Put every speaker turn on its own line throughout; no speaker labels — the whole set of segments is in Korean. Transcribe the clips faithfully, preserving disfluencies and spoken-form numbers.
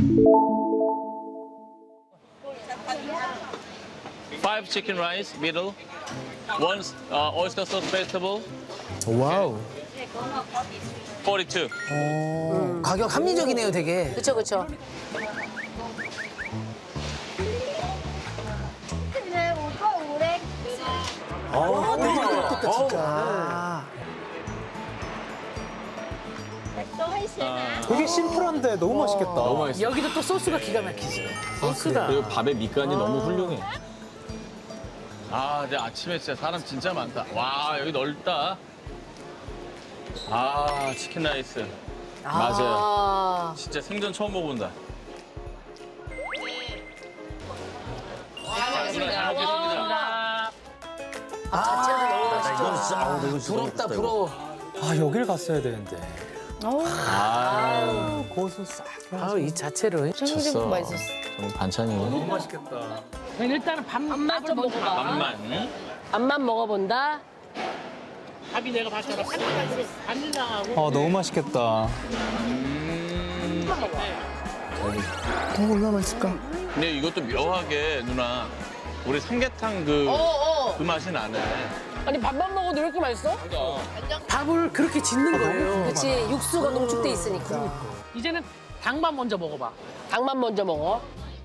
Five chicken rice, middle. One uh, oyster sauce vegetable,
와우.
forty-two.
가격 합리적이네요, 되게.
그쵸, 그쵸.
근데 오빠 오래
어, 되게 부럽겠다, 진짜.
또 하시나?
되게 심플한데 너무 맛있겠다.
너무 맛있어.
여기도 또 소스가 기가 막히지. 소스가.
그리고 밥에 밑간이 너무 훌륭해.
아, 근데 아침에 진짜 사람 진짜 많다. 와, 여기 넓다. 아, 치킨 라이스.
맞아요.
아,
진짜 생전 처음 먹어본다. 자, 누나 잘 먹겠습니다.
자체도 너무
아,
맛있죠.
이건 진짜 아우, 이거 진짜
부럽다,
맛있다,
부러워.
아, 여길 갔어야 되는데.
아,
고수 싹.
아우, 이 자체로.
졌어. 정말 반찬이.
일단은 밥만 좀 먹어봐.
밥만. 응?
밥만 먹어본다.
밥이 내가 봤잖아. 바닐라하고
아, 너무 맛있겠다.
어, 얼마나 맛있을까?
근데 이것도 묘하게 누나 우리 삼계탕 그,
어,
그 맛이 나네.
아니, 밥만 먹어도 왜 이렇게 맛있어?
밥을 그렇게 짓는 거예요.
그치, 육수가 농축돼 있으니까.
이제는 닭만 먼저 먹어봐.
닭만 먼저 먹어.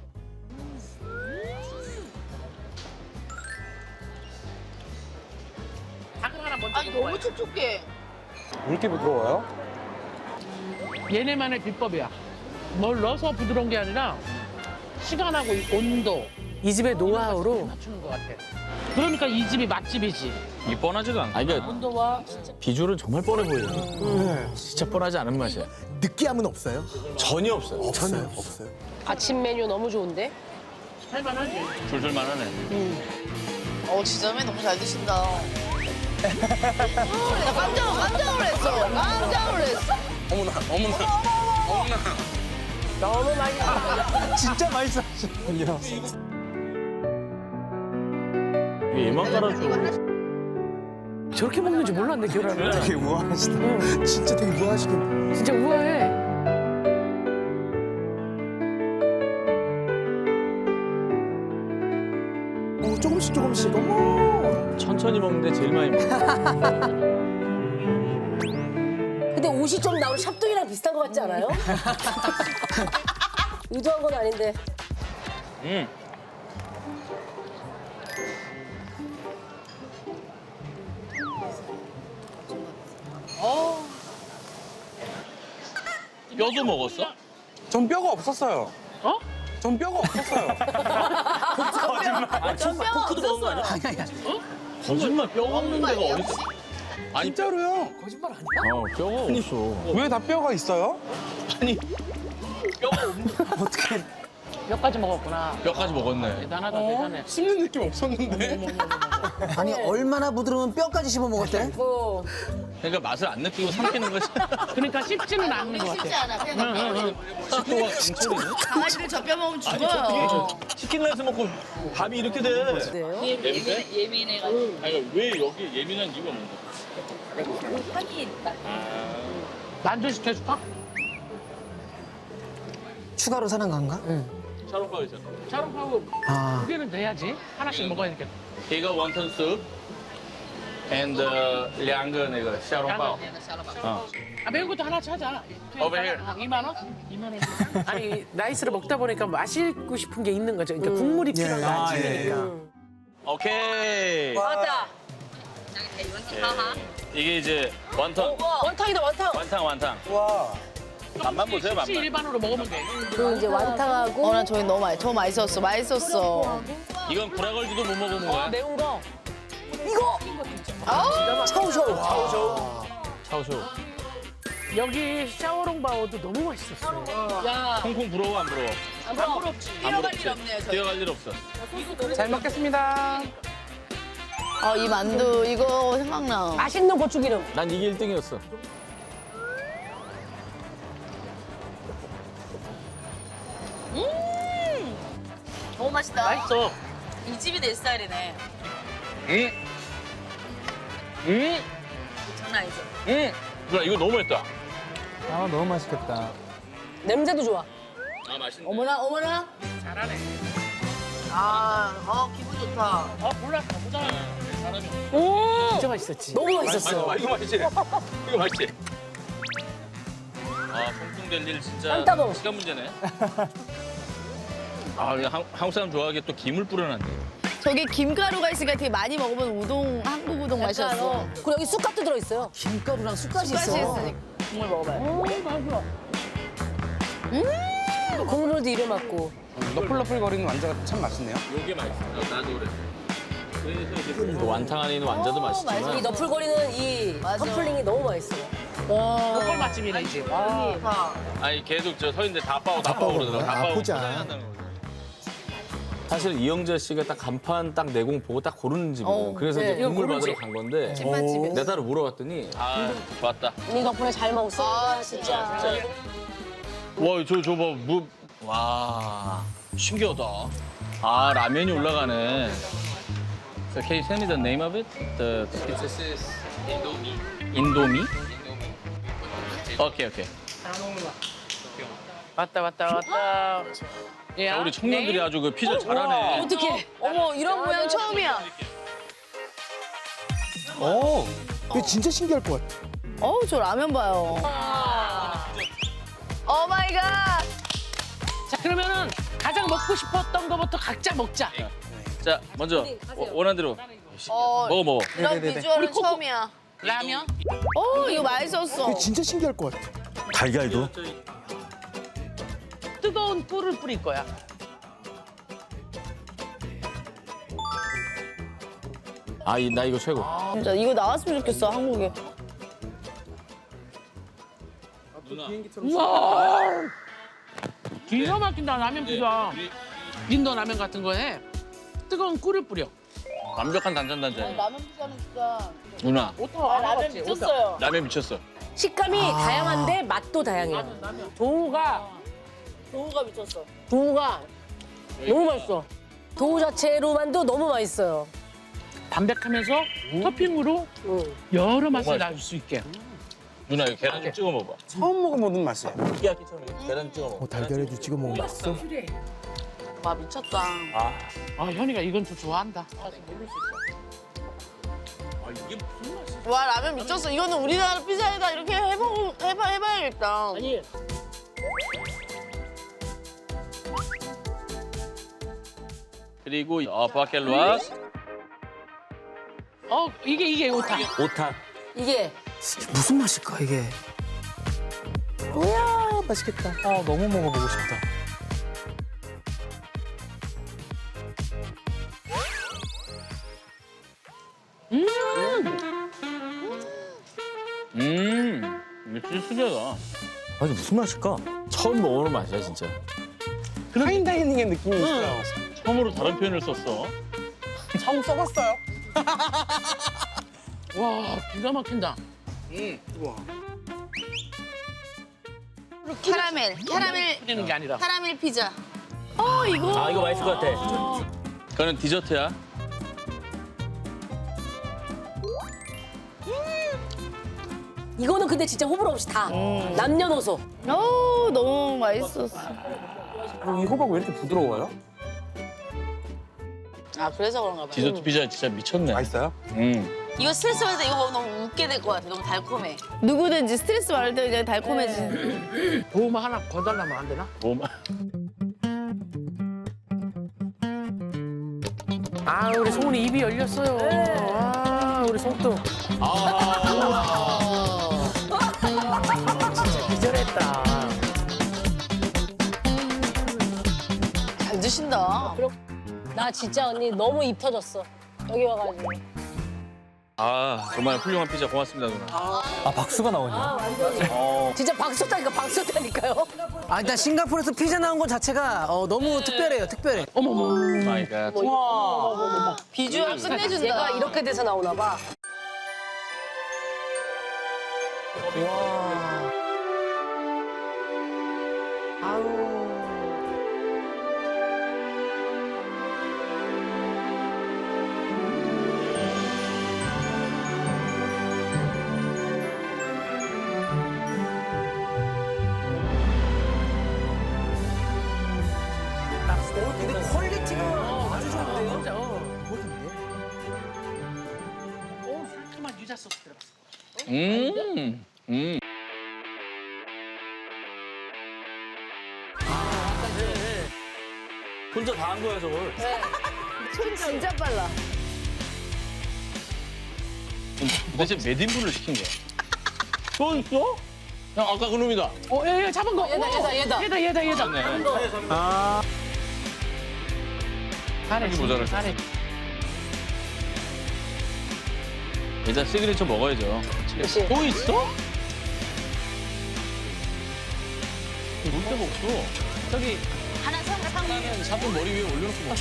닭을 하나 먼저 아니 너무 촉촉해.
왜 이렇게 부드러워요?
얘네만의 비법이야. 뭘 넣어서 부드러운 게 아니라 시간하고 이 온도
이 집의 노하우로
맞추는 것 같아. 그러니까 이 집이 맛집이지.
이 뻔하지도 않고.
아, 그러니까
온도와
비주얼은 정말 뻔해 보여요.
네.
진짜 뻔하지 않은 맛이야.
느끼함은 없어요?
전혀 없어요.
없어요. 없어요.
아침 메뉴 너무 좋은데?
할만하지.
줄줄 만하네.
어, 지점에 너무 잘 드신다. 나 깜짝, 깜짝 놀랐어. 깜짝 놀랐어.
어머나, 어머나, 어머나.
너무 맛있어.
진짜 맛있어 하시는군요.
이게 얘만 깔아줘.
저렇게 먹는 줄 몰랐네, 계란을.
되게 우아하시다. 진짜 되게 우아하시긴.
진짜 우아해.
어, 조금씩 조금씩. 어머.
천천히 먹는데 제일 많이 먹어.
근데 옷이 좀 나오는 샵동이랑 비슷한 것 같지 않아요? 의도한 건 아닌데.
음. 뼈도 먹었어?
전 뼈가 없었어요.
어?
전 뼈가 없었어요.
포크도 먹은 거 아니야?
아니야,
거짓말 뼈 없는 데가 어딨어? 아니,
진짜로요?
거짓말 아니야?
어, 뼈가 없어.
왜 다 뼈가 있어요?
아니, 뼈가 없는
어떻게
몇 가지 먹었구나.
뼈까지 먹었네.
대단하다, 대단해.
씹는 느낌 없었는데?
아니, 얼마나 부드러우면 뼈까지 씹어 먹었대?
어.
그러니까 맛을 안 느끼고 삼키는 거지.
그러니까 씹지는 않는 것
쉽지
같아.
않아. 그냥
식도가 강철이네.
강아지를 젖뼈 먹으면 죽어요.
치킨 라이스 먹고 밥이 이렇게 돼.
그래요?
예민해?
예민해가지고.
아니, 왜 여기 예민한 이유가 뭔가?
향이 있다.
만두 시켜줄까?
추가로 사는 건가?
샤롱파오 있잖아.
차롱파고
아.
두 개는 돼야지. 하나씩 먹어야 되겠다.
이거 원턴 숲 and 两个那个小笼包. 어.
아, 매운 것도 하나 찾아.
Over here.
이만 원? 이만 원.
아니, 라이스를 먹다 보니까 마시고 싶은 게 있는 거죠. 그러니까 국물이 필요한 거
아,
아침이니까.
오케이.
맞다.
이게 이제 원턴.
원탕이다, 원탕.
완탕 완탕.
와.
맛만 보세요,
혹시
맛만.
일반으로 먹으면 돼.
그리고 이제 완탕하고
어, 난 저기 너무 맛있어. 저 맛있었어. 맛있었어.
이건 구라걸즈도 못 먹어본 거야?
매운 거.
차우쇼.
차오쇼.
여기 샤오롱바오도 너무 맛있었어.
야,
콩콩 부러워, 안 부러워?
안 부럽지.
뛰어갈 일 없네요, 저희.
뛰어갈 일 없어.
잘 먹겠습니다.
어, 이 만두, 이거 생각나.
맛있는 고추기름.
난 이게 일 등이었어.
너무 맛있다.
맛있어.
이 집이 내 스타일이네.
응? 응?
장난 아니죠?
응? 누나, 이거 너무 맛있다.
아, 너무 맛있겠다.
냄새도 좋아.
아 맛있네.
어머나 어머나.
잘하네.
아, 어, 기분 좋다.
아 몰라 가보자.
사람이.
오 진짜 맛있었지.
너무
맛있어.
맛있었어.
이거 맛있지. 이거 맛있지. 아 송풍될 일 진짜
한 따봉.
시간 문제네. 아 이거 한- 한국 사람 좋아하게 또 김을 뿌려놨네.
저게 김가루가 있으니까 되게 많이 먹으면 우동, 한국 우동 맛이었어.
그리고 여기 쑥갓도 들어있어요. 김가루랑 쑥갓이
쑥갓이
있어.
있으니까. 국물 먹어봐요.
국물도 이래 맞고.
너플너플거리는 완자가 참 맛있네요.
요게 맛있어. 나도 그래. 그래서 이제
완탕 안에 있는 완자도
어, 이
맛있지만
너풀거리는 이
맞아.
커플링이 너무 맛있어요.
로컬 맛집이네 이 집. 아,
다.
아니 계속 저 서 있는데 다 빠고 다 빠고 그러더라고. 다 빠고
아프지 않아.
포장한다는 거지.
사실 이영재 씨가 딱 간판 딱 내공 보고 딱 고르는 집이에요.
어,
그래서
네.
이제 국물
이거
받으러
고르지.
간 건데
찐맛집이야.
내 딸을 물어봤더니
아 좋았다.
이 덕분에 잘 먹었어.
아, 진짜.
와, 저, 저 봐, 무. 와, 신기하다. 아, 라면이 올라가네. So can you tell me the name of it? The This is Indomie. Indomie? 오케이, 오케이.
왔다 왔다 왔다. 야,
자, 우리 청년들이
네?
아주 그 피자 잘하네.
어떡해. 어머, 이런 모양 처음이야.
어, 이거 진짜 신기할 것 같아.
어우, 저 라면 봐요. 오 마이 갓.
자 그러면은 가장 먹고 싶었던 거부터 각자 먹자.
자, 먼저 워- 원하는 대로
어,
먹어, 먹어.
이런 비주얼은
우리 코코.
처음이야.
라면.
어, 이거 맛있었어.
이거 진짜 신기할 것 같아.
달걀도
뜨거운 꿀을 뿌릴 거야.
아, 이- 나 이거 최고.
진짜 이거 나왔으면 좋겠어, 한국에.
우와. 기가 막힌다 라면 피자. 인도 라면 같은 거에 뜨거운 꿀을 뿌려.
완벽한 단짠단짠.
라면 피자는 진짜.
누나,
오타
아, 라면 미쳤어요.
라면 미쳤어.
식감이 다양한데 맛도 다양해요.
도우가
도우가 미쳤어.
도우가 너무 맛있어. 도우 자체로만도 너무 맛있어요.
담백하면서 토핑으로
응.
여러 맛을 날 수 있게.
누나, 이거 계란 좀 찍어 먹어봐.
처음 먹어보는 맛이에요.
느끼하기처럼 계란 찍어 먹어.
어, 달걀에도 찍어 먹으면 맛있어?
와, 미쳤다.
아 현이가 이건 좀 좋아한다.
아, 이게 무슨 맛이야?
와, 라면 미쳤어. 이거는 우리나라 피자에다 이렇게 해보, 해봐, 해봐야겠다.
아니
그리고 어, 바켈루아.
어 이게 이게 오타.
오타.
이게
무슨 맛일까, 이게? 우와, 맛있겠다. 아, 너무 먹어보고 싶다.
음, 이거 진짜 특이하다.
아, 이게 무슨 맛일까? 처음 먹어보는 맛이야, 진짜.
파인다이닝의 느낌이 있어요.
처음으로 다른 표현을 썼어.
처음 써봤어요.
와 기가 막힌다.
캐러멜, 캐러멜,
뿌리는 게 아니라.
캐러멜 피자. 어, 이거.
아, 이거 맛있을 것 같아.
그거는 디저트야.
이거는 근데 진짜 호불호 없이 다 남녀노소.
어, 너무 맛있었어.
그리고 이 호박 왜 이렇게 부드러워요?
아, 그래서 그런가 봐요.
디저트 피자 진짜 미쳤네.
맛있어요?
음.
이거 스트레스 받을 때 이거 먹으면 너무 웃게 될 것 같아. 너무 달콤해. 누구든지 스트레스 받을 때 그냥 달콤해지는.
도움 하나 거달라면 안 되나?
뭐,
아 우리 송은이 입이 열렸어요. 아 우리 송도. 진짜 기절했다.
잘 드신다.
나 진짜 언니 너무 입 터졌어. 여기 와가지고.
아 정말 훌륭한 피자 고맙습니다 누나.
아, 박수가 나오냐?
진짜 박수 쳤다니까 박수 쳤다니까요.
아 일단 싱가포르에서 피자 나온 것 자체가 어, 너무 특별해요. 특별해.
어머머.
마이 갓.
비주얼 끝내준다.
얘가 이렇게 돼서 나오나 봐.
소스 들어갔어.
음. 음.
혼자 다 한 거야 저걸.
손 진짜 빨라.
도대체 몇 인분을 시킨 거야? 또 있어? 형 아까 그놈이다.
어, 얘, 얘 잡은 거.
얘다, 얘다, 얘다.
얘다, 얘다, 얘다.
네.
잘해,
모자랄
잘해.
일단 시그니처 먹어야죠.
그치.
또 있어? 볼 데가 없어. 저기
하나 상
하나는 샤프 머리 위에 올려놓고 먹어.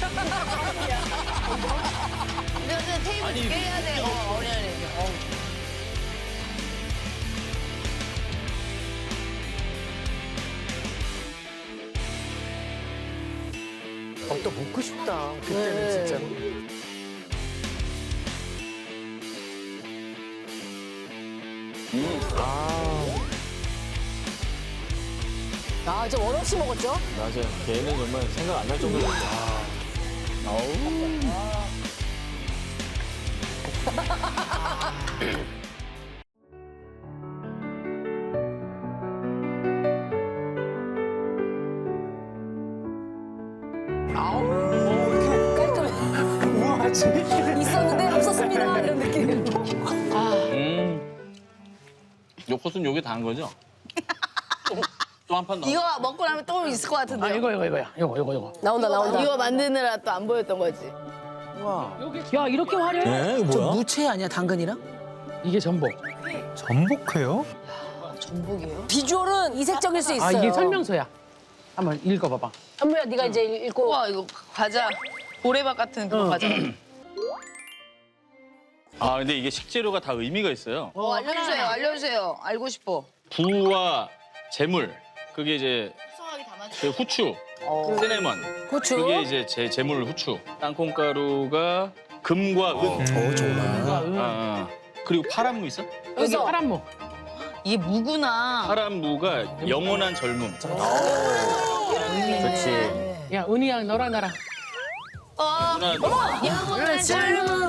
근데 테이블 두개 해야 돼. 어, 어려 어려.
어, 또 먹고 싶다. 그때는 진짜로.
아, 저 원 없이 먹었죠?
맞아. 걔는 정말 생각 안 날 정도로.
깔끔해. 있었는데 없었습니다. 이런 느낌.
음. 요 코스는 요게 다 한 거죠? 또 한 판 더.
이거 먹고 나면 또 있을 것 같은데.
아, 이거, 이거, 이거야. 이거, 이거, 이거.
나온다, 나온다.
이거 만드느라 또 안 보였던 거지.
야, 이렇게 화려해?
네, 이거 뭐야?
무채 아니야, 당근이랑?
이게 전복.
전복회요?
전복이에요?
비주얼은 이색적일 수 있어요.
아, 이게 설명서야. 한번 읽어봐봐.
현무야, 네가 이제 읽고.
우와 이거 과자 고래밥 같은 그런 과자.
아 근데 이게 식재료가 다 의미가 있어요.
어, 알려주세요, 알려주세요. 알고 싶어.
부와 재물 그게 이제
소화하게 담아주.
그 후추, 시네먼
고추.
그게 이제 제 재물 후추. 땅콩가루가 금과 은.
어, 정말.
아, 아. 그리고 파란무 있어?
여기
여기서.
파란무.
이게 무구나.
파란무가 영원한 젊음.
그렇지.
야, 은희양 너랑 나랑.
어,
누나,
영원한 젊음.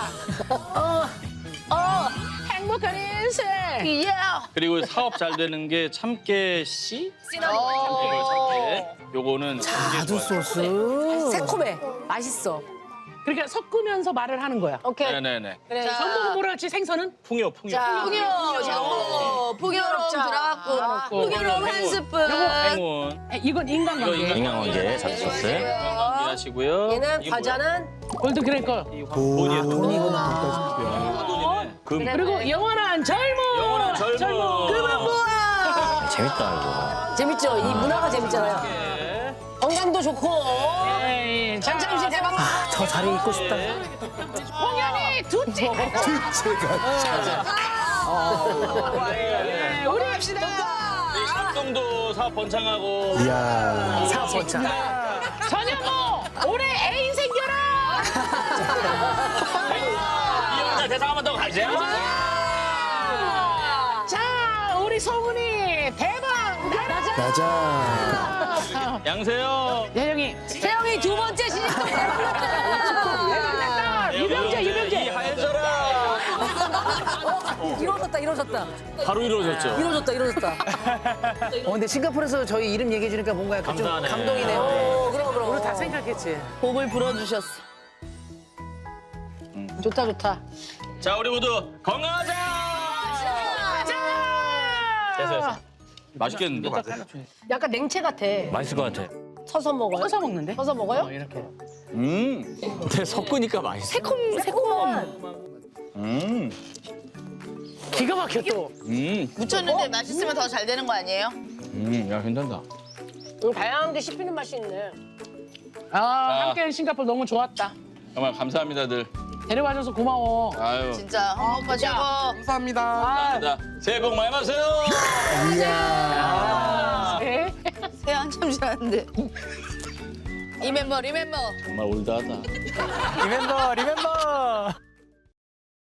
어,
행복한 인생.
예.
그리고 사업 잘 되는 게 참깨 씨?
어.
참깨. 요거는
자두 소스.
새콤해. 맛있어.
그러니까 섞으면서 말을 하는 거야.
오케이.
네네네.
그래.
전복은 뭐라 했지? 생선은?
풍요 풍요.
자,
풍요, 전복, 풍요로움 들어갔고, 풍요로움 한 스푼.
행운.
에, 이건 인간관계.
이거
인간관계 잡수 소스.
하시고요.
얘는 과자는
골드 그레이커.
돈이야 돈.
돈이구나, 돈까지.
돈이네. 금.
그리고 영원한 젊음.
영원한 젊음.
그만 모아.
재밌다
재밌죠? 이 문화가 재밌잖아요.
네.
건강도 좋고.
에이, 자,
잠시 대박.
아, 저 자리에 있고 싶다.
홍현이 두째.
네,
우리 합시다.
쌍동도 사업 번창하고.
이야.
사 번째.
전현무 올해 애인 생겨라.
이영자 대상 한번 더 가자.
자, 우리 송은이 대박 나자.
맞아.
양세형.
예영이
태영이 두 번째 시집도 대박 났다.
유병재 유병재.
이하여져라.
이루어졌다, 이루어졌다.
바로 이루어졌죠.
이루어졌다, 이루어졌다.
어, 근데 싱가포르에서 저희 이름 얘기해주니까 뭔가 약간 좀
감사하네.
감동이네요.
오, 그럼, 그럼.
우리 다 생각했지.
복을 불어주셨어.
좋다, 좋다.
자 우리 모두 건강하자. 됐어 됐어. 맛있겠는데?
약간 냉채 같아.
맛있을 것 같아.
서서 먹어요?
서서 먹는데?
서서 먹어요?
어, 이렇게.
음.
근데 섞으니까 맛있어.
새콤, 새콤한.
음.
기가 막혀 또.
음.
묻혔는데 맛있으면 더 잘 되는 거 아니에요?
음. 야 괜찮다.
음, 다양한 게 씹히는 맛이 있네.
아, 함께한 싱가포르 너무 좋았다.
정말 감사합니다들.
데려와줘서 고마워.
아유.
진짜 어, 오빠 최고.
감사합니다.
감사합니다. 새해 복 많이 받으세요.
네.
새 한참 지났는데. 리멤버 리멤버.
정말 올드하다.
리멤버, 리멤버.